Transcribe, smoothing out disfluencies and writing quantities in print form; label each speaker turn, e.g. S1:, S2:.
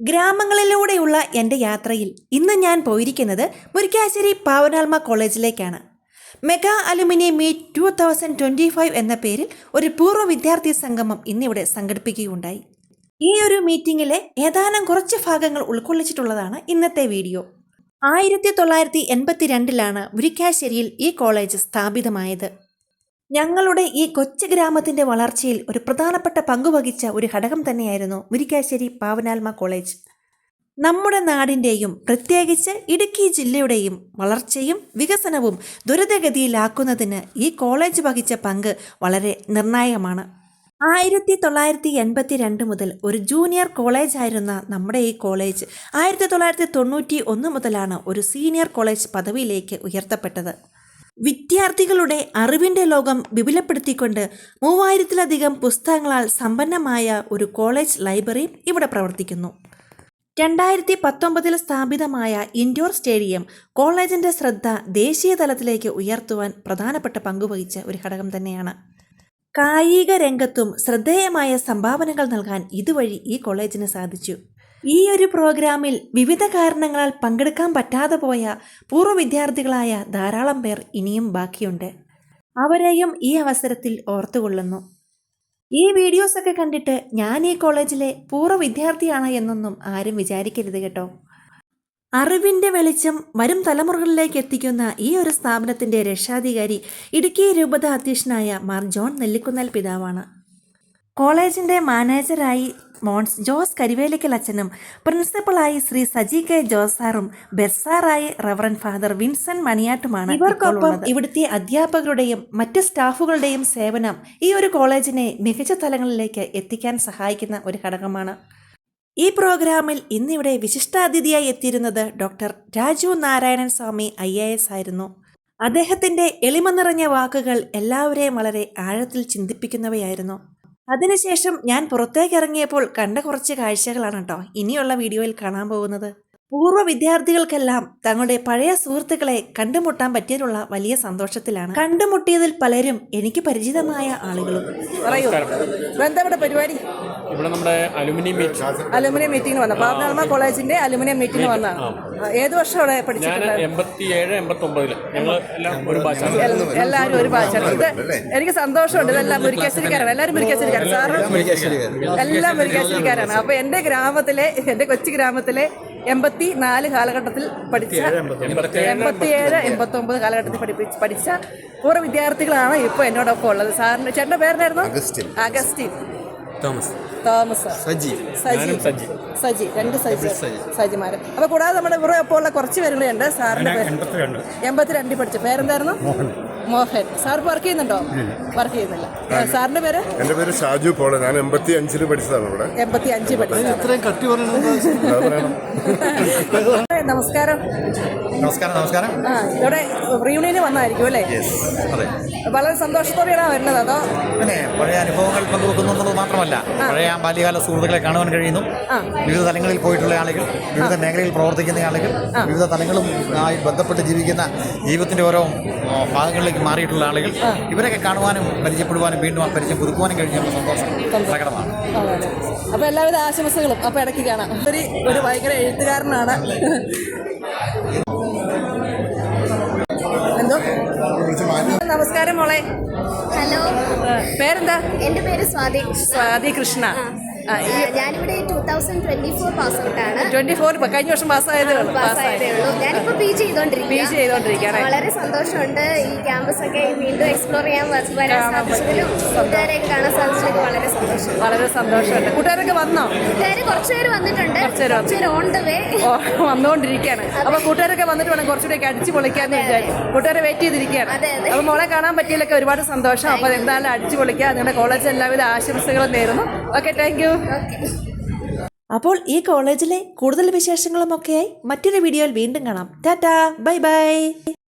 S1: ഗ്രാമങ്ങളിലൂടെയുള്ള എൻ്റെ യാത്രയിൽ ഇന്ന് ഞാൻ പോയിരിക്കുന്നത് മുരിക്കാശ്ശേരി പാവനാൽമ കോളേജിലേക്കാണ്. മെഗാ അലുമിനി മീറ്റ് 2025 എന്ന പേരിൽ ഒരു പൂർവ്വ വിദ്യാർത്ഥി സംഗമം ഇന്നിവിടെ സംഘടിപ്പിക്കുകയുണ്ടായി. ഈ ഒരു മീറ്റിങ്ങിലെ ഏതാനും കുറച്ച് ഭാഗങ്ങൾ ഉൾക്കൊള്ളിച്ചിട്ടുള്ളതാണ് ഇന്നത്തെ വീഡിയോ. 1982 മുരിക്കാശ്ശേരിയിൽ ഈ കോളേജ് സ്ഥാപിതമായത്. ഞങ്ങളുടെ ഈ കൊച്ചു ഗ്രാമത്തിൻ്റെ വളർച്ചയിൽ ഒരു പ്രധാനപ്പെട്ട പങ്കുവഹിച്ച ഒരു ഘടകം തന്നെയായിരുന്നു മുരിക്കാശ്ശേരി പാവനാൽമ കോളേജ്. നമ്മുടെ നാടിൻ്റെയും പ്രത്യേകിച്ച് ഇടുക്കി ജില്ലയുടെയും വളർച്ചയും വികസനവും ദ്രുതഗതിയിലാക്കുന്നതിന് ഈ കോളേജ് വഹിച്ച പങ്ക് വളരെ നിർണായകമാണ്. 1982 മുതൽ ഒരു ജൂനിയർ കോളേജായിരുന്ന നമ്മുടെ ഈ കോളേജ് 1991 മുതലാണ് ഒരു സീനിയർ കോളേജ് പദവിയിലേക്ക് ഉയർത്തപ്പെട്ടത്. വിദ്യാർത്ഥികളുടെ അറിവിൻ്റെ ലോകം വിപുലപ്പെടുത്തിക്കൊണ്ട് 3000-ലധികം പുസ്തകങ്ങളാൽ സമ്പന്നമായ ഒരു കോളേജ് ലൈബ്രറിയും ഇവിടെ പ്രവർത്തിക്കുന്നു. 2019 സ്ഥാപിതമായ ഇൻഡോർ സ്റ്റേഡിയം കോളേജിൻ്റെ ശ്രദ്ധ ദേശീയ തലത്തിലേക്ക് ഉയർത്തുവാൻ പ്രധാനപ്പെട്ട പങ്കുവഹിച്ച ഒരു ഘടകം തന്നെയാണ്. കായിക രംഗത്തും ശ്രദ്ധേയമായ സംഭാവനകൾ നൽകാൻ ഇതുവഴി ഈ കോളേജിന് സാധിച്ചു. ഈ ഒരു പ്രോഗ്രാമിൽ വിവിധ കാരണങ്ങളാൽ പങ്കെടുക്കാൻ പറ്റാതെ പോയ പൂർവ്വ വിദ്യാർത്ഥികളായ ധാരാളം പേർ ഇനിയും ബാക്കിയുണ്ട്. അവരെയും ഈ അവസരത്തിൽ ഓർത്തുകൊള്ളുന്നു. ഈ വീഡിയോസൊക്കെ കണ്ടിട്ട് ഞാൻ ഈ കോളേജിലെ പൂർവ്വ വിദ്യാർത്ഥിയാണ് എന്നൊന്നും ആരും വിചാരിക്കരുത് കേട്ടോ. അറിവിൻ്റെ വെളിച്ചം വരും തലമുറകളിലേക്ക് എത്തിക്കുന്ന ഈ ഒരു സ്ഥാപനത്തിൻ്റെ രക്ഷാധികാരി ഇടുക്കി രൂപത അധ്യക്ഷനായ മാർ ജോൺ നെല്ലിക്കുന്നേൽ പിതാവാണ്. കോളേജിൻ്റെ മാനേജരായി മോൺസ് ജോസ് കരിവേലിക്കൽ അച്ഛനും പ്രിൻസിപ്പളായി ശ്രീ സജി കെ ജോസ് സാറും ബെർസാറായി റവറൻ ഫാദർ വിൻസെന്റ് മണിയാട്ടുമാണ്. ഇവർക്കൊപ്പം ഇവിടുത്തെ അധ്യാപകരുടെയും മറ്റ് സ്റ്റാഫുകളുടെയും സേവനം ഈ ഒരു കോളേജിനെ മികച്ച തലങ്ങളിലേക്ക് എത്തിക്കാൻ സഹായിക്കുന്ന ഒരു ഘടകമാണ്. ഈ പ്രോഗ്രാമിൽ ഇന്നിവിടെ വിശിഷ്ടാതിഥിയായി എത്തിയിരുന്നത് ഡോക്ടർ രാജു നാരായണൻ സ്വാമി IAS ആയിരുന്നു. അദ്ദേഹത്തിൻ്റെ എളിമ നിറഞ്ഞ വാക്കുകൾ എല്ലാവരെയും വളരെ ആഴത്തിൽ ചിന്തിപ്പിക്കുന്നവയായിരുന്നു. അതിനുശേഷം ഞാൻ പുറത്തേക്ക് ഇറങ്ങിയപ്പോൾ കണ്ട കുറച്ച് കാഴ്ചകളാണ് കേട്ടോ ഇനിയുള്ള വീഡിയോയിൽ കാണാൻ പോകുന്നത്. പൂർവ്വ വിദ്യാർത്ഥികൾക്കെല്ലാം തങ്ങളുടെ പഴയ സുഹൃത്തുക്കളെ കണ്ടുമുട്ടാൻ പറ്റിയതിലുള്ള വലിയ സന്തോഷത്തിലാണ്. കണ്ടുമുട്ടിയതിൽ പലരും എനിക്ക് പരിചിതമായ ആളുകളും. പരിപാടി
S2: ഇവിടെ നമ്മുടെ അലുമിനിയം
S3: മീറ്റിംഗ് വന്ന പാവനാൽമ കോളേജിന്റെ അലുമിനിയം മീറ്റിംഗ് വന്നതാണ്. ഏത് വർഷം അവിടെ പഠിച്ചിട്ടുണ്ട്?
S2: 87-89 ഞങ്ങൾ
S3: എല്ലാവരും ഒരു ബാച്ചാണ്. ഇത് എനിക്ക് സന്തോഷമുണ്ട്. ഇതെല്ലാം മുരിക്കാശ്ശേരിക്കാരാണ്. എല്ലാവരും മുരിക്കാശ്ശേരിക്കാരാണ്. സാറും എല്ലാം മുരിക്കാശ്ശേരിക്കാരാണ്. അപ്പൊ എൻ്റെ കൊച്ചു ഗ്രാമത്തിലെ 84 കാലഘട്ടത്തിൽ പഠിച്ച 87-89 കാലഘട്ടത്തിൽ പഠിച്ച പൂർവ്വ വിദ്യാർത്ഥികളാണ് ഇപ്പോൾ എന്നോടൊപ്പം ഉള്ളത്. സാറിന്റെ ചേട്ടൻ്റെ പേരെന്നായിരുന്നു? അഗസ്റ്റിൻ തോമസ്, സജി, 2 സജിമാര്. അപ്പൊ കൂടാതെ നമ്മുടെ ഇവിടെ ഇപ്പോൾ ഉള്ള കുറച്ച് പേരുകളുണ്ട്. സാറിന്റെ പേര് 82 പഠിച്ച പേരെന്തായിരുന്നു? മോഹൻ. സാർ വർക്ക് ചെയ്യുന്നുണ്ടോ? വർക്ക് ചെയ്യുന്നില്ല. സാറിന്റെ പേര്?
S4: എന്റെ പേര് ഷാജു പോൾ. ഞാൻ 85 പഠിച്ചതാണ്. ഇവിടെ
S3: 85 പഠിച്ചത്. നമസ്കാരം. ഇവിടെ റീയൂണിയന് വന്നായിരിക്കും അല്ലേ? വളരെ സന്തോഷത്തോടെയാണ് വരുന്നത്. അതോ
S5: പിന്നെ പഴയ അനുഭവങ്ങൾ പങ്കുവെക്കുന്നത് മാത്രമല്ല, പഴയ ബാല്യകാല സുഹൃത്തുക്കളെ കാണുവാൻ കഴിയുന്നു. വിവിധ തലങ്ങളിൽ പോയിട്ടുള്ള ആളുകൾ, വിവിധ മേഖലയിൽ പ്രവർത്തിക്കുന്ന ആളുകൾ, വിവിധ തലങ്ങളുമായി ബന്ധപ്പെട്ട് ജീവിക്കുന്ന ജീവിതത്തിന്റെ ഓരോ ഭാഗങ്ങളിലേക്ക് മാറിയിട്ടുള്ള ആളുകൾ, ഇവരൊക്കെ കാണുവാനും പരിചയപ്പെടുവാനും വീണ്ടും പരിചയം പുതുക്കുവാനും കഴിഞ്ഞ സന്തോഷം പ്രകടമാണ്.
S3: അപ്പൊ എല്ലാവിധ ആശംസകളും. അപ്പൊ ഇടയ്ക്ക് കാണാം. ഒരു ഭയങ്കര എഴുത്തുകാരനാണ്. എന്തോ? നമസ്കാരം മോളെ.
S6: ഹലോ.
S3: പേരെന്താ?
S6: എൻ്റെ പേര്
S3: സ്വാതി കൃഷ്ണ.
S6: ഞാനിവിടെ 2024 പാസ് ഔട്ടാണ്.
S3: 24 കഴിഞ്ഞ വർഷം പാസ്സായതേ ഉള്ളൂ.
S6: ഞാനിപ്പോൾ PG ചെയ്തോണ്ടിരിക്കുകയാണ്. വളരെ സന്തോഷമുണ്ട്. ഈ ക്യാമ്പസ് ഒക്കെ വീണ്ടും എക്സ്പ്ലോർ ചെയ്യാൻ വരാൻ സാധിച്ചതിലും കൂട്ടുകാരെയൊക്കെ കാണാൻ സാധിച്ചതിലും വളരെ
S3: സന്തോഷമുണ്ട്. കൂട്ടുകാരൊക്കെ വന്നോ?
S6: കൂട്ടുകാർ കുറച്ചുപേര് വന്നിട്ടുണ്ട്. കുറച്ചുപേര് ഓൺ ദ വേ
S3: വന്നുകൊണ്ടിരിക്കുകയാണ്. അപ്പൊ കൂട്ടുകാരൊക്കെ വന്നിട്ട് വേണം കുറച്ചുകൂടെ അടിച്ചു പൊളിക്കാന്ന് വിചാരിച്ചു. കൂട്ടുകാരെ വെയിറ്റ് ചെയ്തിരിക്കുകയാണ്. അപ്പൊ മോളെ കാണാൻ പറ്റിയതിലൊക്കെ ഒരുപാട് സന്തോഷം. അപ്പൊ എന്തായാലും അടിച്ചു പൊളിക്കുക. നിങ്ങളുടെ കോളേജ് എല്ലാവിധ ആശംസകളും നേരുന്നു. Okay, thank you.
S1: അപ്പോൾ ഈ കോളേജിലെ കൂടുതൽ വിശേഷങ്ങളുമൊക്കെയായി മറ്റൊരു വീഡിയോയിൽ വീണ്ടും കാണാം. Ta-ta, bye by.